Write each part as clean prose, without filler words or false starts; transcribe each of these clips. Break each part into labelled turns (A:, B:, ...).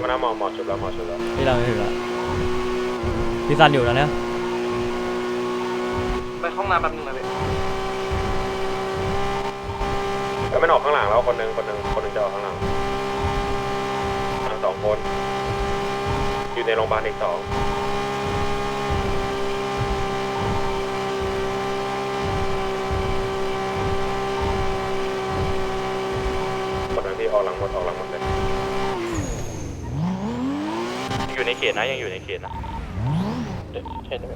A: นะหมอชุบแล้ว
B: พี่เราไม่ถึงแล้วพี่ซันอยู่แล้วเนี่ย
C: ไปห้องน้ำแป๊บนึงนะพี่
A: ก็ไม่ออกข้างหลังแล้วคนหนึ่งจะออกข้างหลังทั้ง2 คนอยู่ในโรงพยาบาลอีก2คนนั้นที่ออกหลังหมดเลยอยู่ในเขตนะยังอยู่ในเขตนะเขตเลย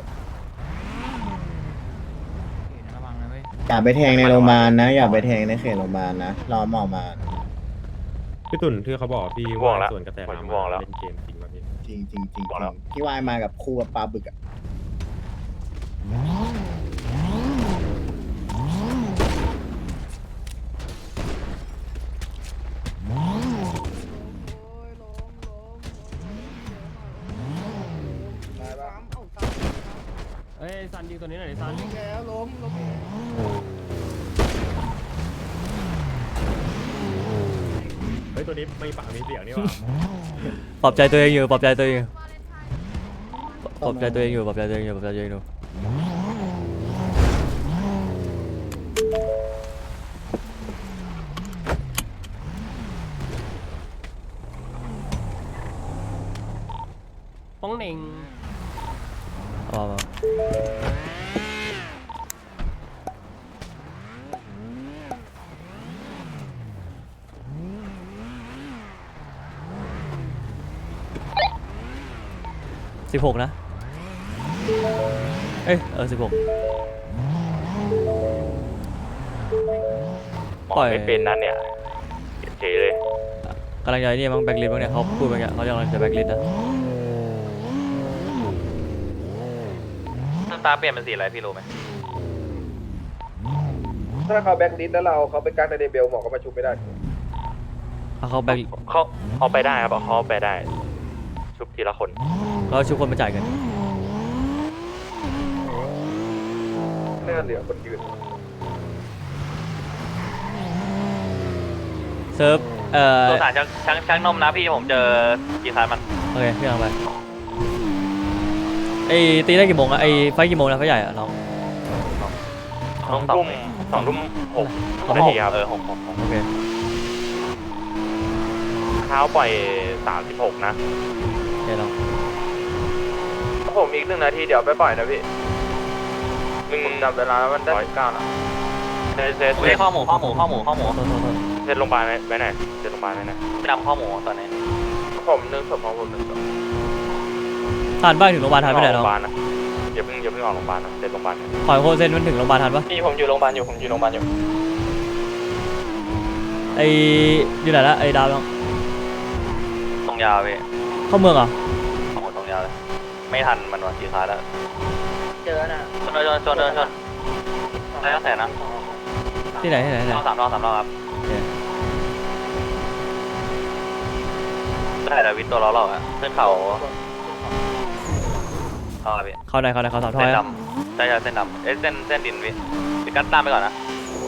D: อย่าไปแทงในโรงพยาบาลนะอย่าไปแทงในเขตโรงพยาบาลนะรอหมอมา
A: พี่ตุ่นที่เขาบอกพี่ว่าส่วนกระแสน้ำเล่นเกมจริงป่ะพี่
D: จริงที่วายมากับคู่กับปลาบึกอะ
B: เฮ้ยซันยิงตัวนี้หน่อยดิซัน
D: แล้วล้ม
A: เฮ้ยตัวนี้ไม่ปากมีเสียงนี่หว่า
B: ปลอบใจตัวเองอยู่ปลอบใจตัวเองอยู่ป้องเหน่งเอามา16นะ16ปล่อย
A: ไม่เป็นนั่นเนี่ยเฉยเลย
B: กำลังจะนี่มั้งแบ็คลิสต์มั้งเนี่ยเขาพูดไปเงี้ยเขากำลังจะแบ็คลิสต์นะ
C: น้ำตาเปลี่ยนเป็นสีอะไรพี่รู้ไหม
A: ถ้าเขาแบ็คลิสต์แล้วเขาไปกักในเดเบลหมอก็มาชุบไม่ได้
B: เขาแบ็ค
A: เขาไปได้ครับเขาไปได้ชุบทีละคน
B: เขาชุบคนมาจ่ายเงิน
A: เลื่อนเหลือคนยืน
B: เซิร์ฟ
C: สงสารช่างนมนะพี่ผมเจอกี่ครั้งมัน
B: โอเคพี่ลองไปไอ้ตีได้กี่โมงอะไอ้ไฟกี่โมงนะไฟใหญ่อะน้อง
A: 2 ทุ่ม6 นาทีครับ6
B: โอเค
A: เช้าปล่อย36นะ
B: โอเคลอง
A: ผมอีก1 นาทีเดี๋ยวไปปล่อยนะพี่มึงจับเวลามันได้9นะเซต
C: ข้อหมู
B: โทษ
A: เซตโรงพยาบาลไว้ไหนเซตโรงพยาบาลไว้ไหน
C: ไปดำข้อหมูตอนนี้
A: ผม1 ศพของผม1 ศพ
B: ทันป่ะถึงโรงพยาบาลทันไม่ได้น้อง
A: อย่าเพิ่งออกโรงพยาบาลนะเซตโรงพยาบาล
B: ขอโคเซนมันถึงโรงพยาบาลทันป่ะ
C: พี่ผมอยู่โรงพยาบาลอยู่
B: ไอ้อยู่ไหนละไอ้ดาวน้อง
C: ตรงยาวพี่
B: เข้าเมืองเหรอ
C: ตรงยาวเลยไม่ทันมันวันกี่ครั้งแล้วเจอน่ะชนได้ตั้งแต่นะ
B: ที่ไหน
C: รอบ3 รอบครับ
B: โอเค
C: ได้แต่วินตัวล้อเราอะขึ้นเขาพี่
B: เข้าไหนเขาสามท่อ
C: เส้น
B: ย
C: ดำใช่เส้นดำเส้นดินพี่ไปกัดตามไปก่อนนะ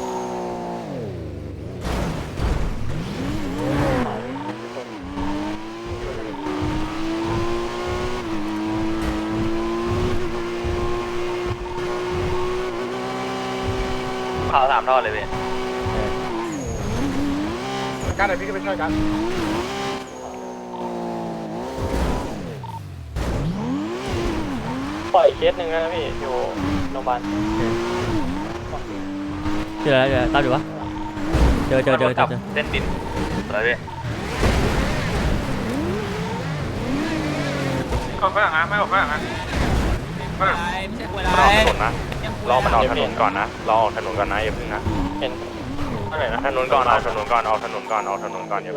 C: ข่าว3 ท่อเลยพี่
A: การไหนพี่ก็ไปช่วยกันปล่อยเคสหนึ่งนะพี่อยู่โรงพยาบาล
B: ที่ไหนตามอยู่ปะเจอ
C: เส้นดินอะไรพี่
A: เขาฝรั่งนะไม่ออกฝรั่งนะฝรั่งรอถนนนะรอมันออกถนนก่อนนะรอออกถนนก่อนนะอย่าพึ่งนะเห็นอะไรนะถนนก่อนออกถนนก่อนอย่าพึ่งออกถนนก่อน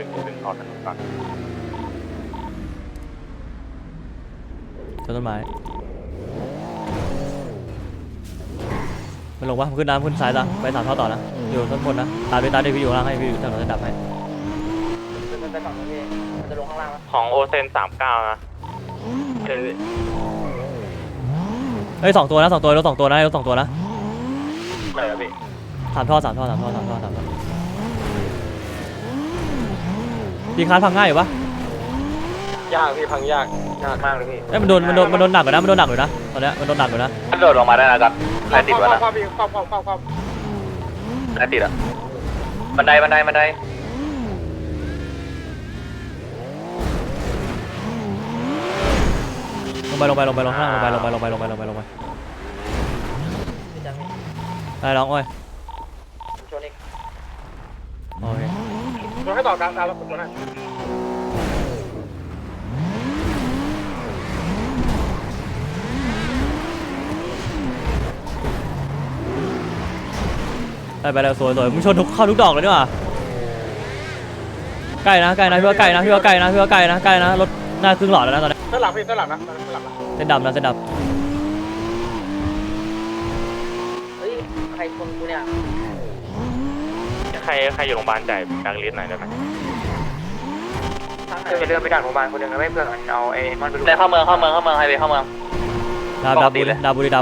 B: ต้นไม้มันลงปะมันขึ้นน้ำขึ้นซ้ายละไปสามท่อต่อนะอยู่ต้นบนนะตามด้วยพี่อยู่ข้างล่างให้พี่อยู่ถนนจะดับให้
A: ของโอเซน39นะ
B: เฮ้ย2 ตัวนะรถ2 ตัวนะ
A: อะไรครับพี่
B: 3 ท่อพี่คานพังง่ายอยู่ปะ
C: ยากพี่พังยากมากเลยพี่
B: เอ้ยมันโดนหนักอยู่นะมันโดนหนักอยู่นะตอนเนี้ยมันโดนหนักอยู่นะ
C: มันโดดลงมาได้นะกันใครติดวะนะใครติดอ่ะบันได
B: ลงไปข้างล่างลงไปได้ร้องโอ้ย
C: ชนอีก
B: โอเค
E: ชนให้ต่อกลางตามแล้วผมชนให้
B: ได้ไปแล้วสวยมึงชนเข้าทุกดอกเลยนี่หว่าใกล้นะพี่ว่าใกล้นะรถหน้าครึ่งหลอดแล้วนะตอนนี้
E: เส้นหลังพี่เส้นหลังนะเส้นหลังนะ
B: เส้นดำนะเส้นด
C: เฮ้ยใครชนกูเนี่ย
A: ใครอยู่โรงพยาบาลจ่ายแบงค์ลิสต์หน่อยได้ไหม
E: จะเดินไปดักโรงพยาบาลคนหนึ่งนะไม่เพื่อนเอาไอ้มันไปดู
C: ได้เข้าเมืองไฮเวย์เข้าเมือง
B: ำดาบูดิ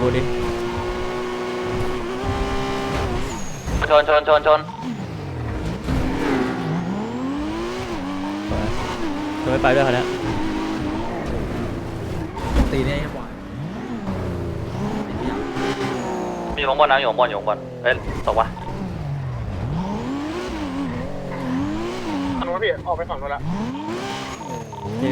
C: ชน
B: ไม่ไปด้วยคันนี้
F: ตีเนี่ยยังไหว
C: อยู่ข้างบนนะอยู่ข้างบนเฮ้ยตกวะ
E: ฝั่งนู้นพี่ออกไปฝั่งนู้นละ
B: นี่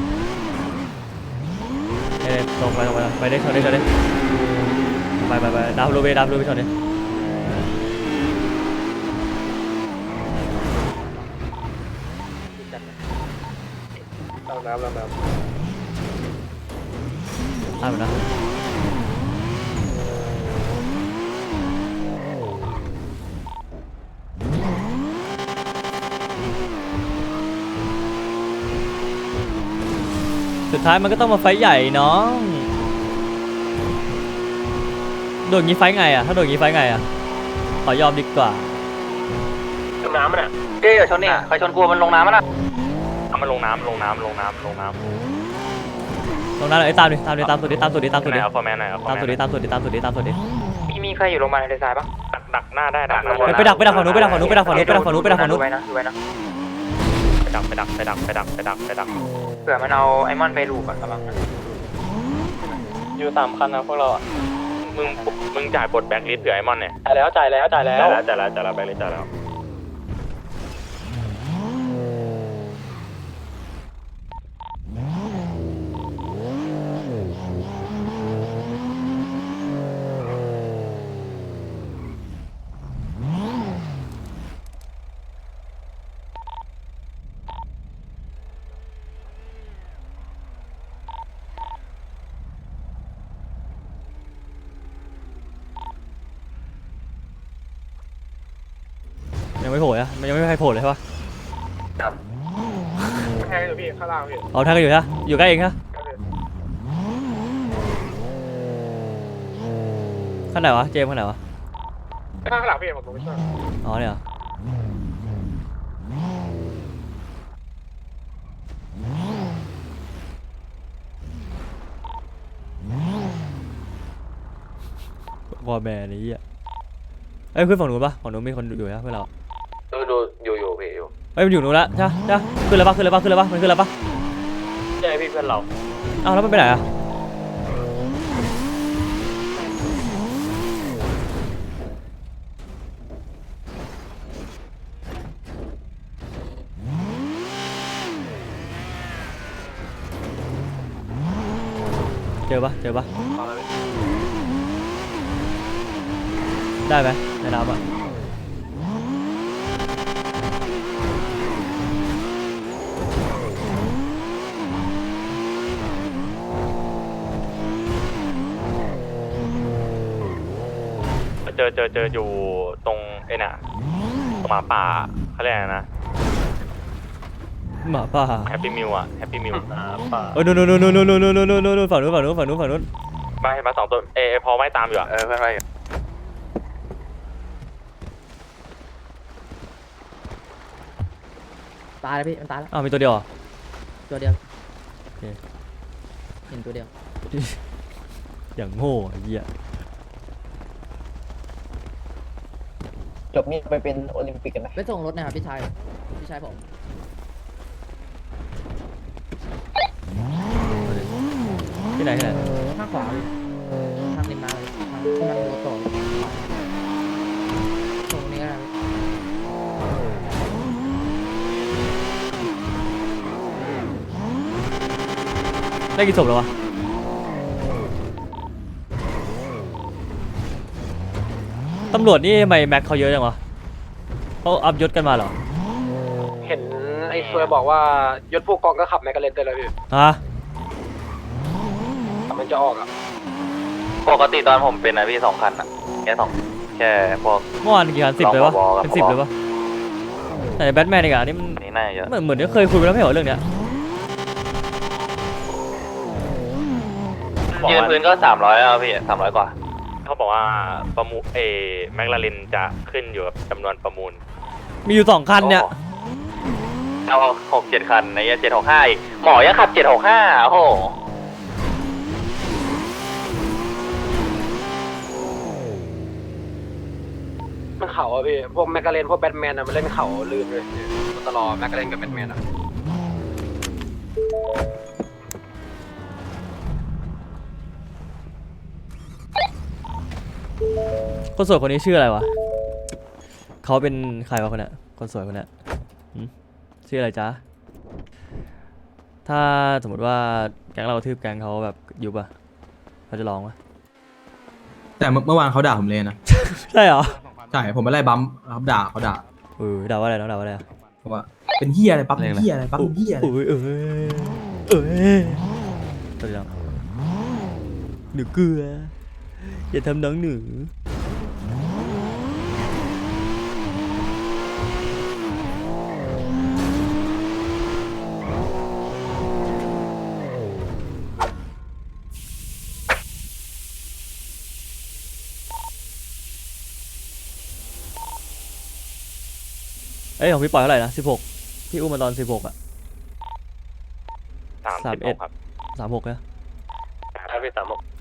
B: ลงไปได้ชนไปดาวโรเบไปชนดิ
E: เราน้ำ
B: ตามไปนะสุดท้ายมันก็ต้องมาไฟท์ใหญ่น้องโดนงี้ไฟท์ไงอ่ะถ้าโดนงี้ไฟท์ไงอ่ะขอยอมดีกว่า
E: น้ำมันอ่ะ
C: เจ๊อย่าชนนี่ใครชนกูมันลงน้ำมันอ่ะ
A: มันลงน้ำ
B: ลงน้ำเลยตามสุดดิ
A: เอาฟอร์แมนหน่อยเอาฟอร์แมน
B: ตามสุดดิ
E: มีใครอยู่โรงพยาบาลในทรายปะ
A: ดักหน้าได้ดักหน้า
B: ไปดักฝั่งนู้น
E: ดูไว้นะ
A: ไปดักเ
E: ผื่อมันเอาไอ้มอนไปลูกก่อนกำลัง
C: อยู่3 คันนะพวกเราอ่ะ
A: มึงจ่ายบทแบ็คลิสต์เผื่อไอมอนเนี่ย
C: จ่ายแล้ว
A: จ่ายแล้วแบ็คลิสต์จ่ายแล้ว
B: ยังไม่โผล่อะมันยังไม่มีใครโผล่เลยใช่ปะ
E: แทงอยู่พี่ข้างล่างพี่
B: เอาท่านก็อยู่นะอยู่ใกล้เองนะขั้นไหนวะเจมส์ขั้นไหนวะ
E: ข้างหลังพี่ผมไม่ช่วย
B: อ๋อเนี่ยเหรอวอลแมนนี่อ่ะเอ้ยขึ้นฝั่งนู้นปะฝั่งนู้นมีคนอยู่นะเพื่อนเรา
C: ดูอยู่พี่อยู่
B: เอ้ยมันอยู่นู้นละใช่ขึ้นแล้วปะมันขึ้นแล้วปะ
C: ใช่พี่เพื่อนเรา
B: อ้าวแล้วมันไปไหนอะเจอปะได้ไหมในน้ำอะ
A: เจออยู่ตรงไอ้น่ะตรงหมาป่าเขาเรียกอะไรนะ
B: หมาป่า
A: แฮปปี้มิวป่า
B: โอ้ยนู่นฝั่งนู้น
A: มา2 ตัวพอไม่ตามอยู่อ่ะ
C: เพื่อนไปอยู่
F: ตายแล้วพี่มันตายแล้ว
B: อ้าวมีตัวเดียวเหรอ
F: ตัวเดียว
B: โอเค
F: เห็นตัวเดียว
B: อย่างโง่ไอ้เหี้ย
D: จบนี่ไปเป็นโอลิมปิกกันไหม
F: ไปส่งรถนะครับพี่ชายผม
B: ไหนที่ไหน
F: ข้างขวาพี่ทางริมน้ำเลยทางที่มันรถต่อตรงนี้ก็ได้พี่
B: ได้กี่ศพแล้ววะตำรวจนี่ทำไมแม็กเขาเยอะจังวะเขาอัพยศกันมาเหรอ
E: เห็นไอ้ซวยบอกว่ายศผู้กองก็ขับแมกกาเลนเตอร์เลยพี่
B: ฮะ
E: มันจะออกอ่ะ
C: ปกติตอนผมเป็นนะพี่2 คันอะแค่พวก
B: เมื่อวานกี่คัน10เลยวะ
C: รองผบกับ
B: เป็น10เลยวะแต่แบทแมนอีกอ่ะนี่มัน
C: อันนี้น่าจะเยอะ
B: เหมือนที่เคยคุยไปแล้วไม่เหรอเรื่องเนี้ย
C: ยืนพื้นก็300แล้วพี่300 กว่า
A: เขาบอกว่าประมูลแมคลาเรนจะขึ้นอยู่กับจำนวนประมูล
B: มีอยู่2คันเนี่ย
C: เอา6-7 คันใน765อีกหมอยังขับ765โอ้โห
E: มันเข่าอ่ะพี่พวกแมกกาเลนพวกแบทแมนอ่ะมันเล่นเข่าลื่นเลยตลอดแมกกาเลนกับแบทแมนอ่ะ
B: คนสวยคนนี้ชื่ออะไรวะเขาเป็นใครวะคนเนี้ยคนสวยคนเนี้ยหืมชื่ออะไรจ๊ะถ้าสมมติว่าแก๊งเรากระทืบแก๊งเขาแบบยุบอะเขาจะร้องปะ
G: แต่เมื่อวานเขาด่าผมเลยนะ
B: ใช่เหรอ
G: ใช่ผมไปไล่บัมป์เขาด่าด่า
B: ด่าว่าอะไรน้องด่าว่าอะไรอะ
G: บอกว่าเป็นเฮียอะไรปั๊บเป็นเฮียอะไรปั๊บเป็นเฮียอะไร
B: ตัวเดียวหนูเกลืออย่าทำน้องหนูเอ้ยของพี่ปล่อยเท่าไหร่นะ16พี่อุ้มมาตอน16อะ
A: 36ครับ
B: 36นะ
C: ถ้าพี่36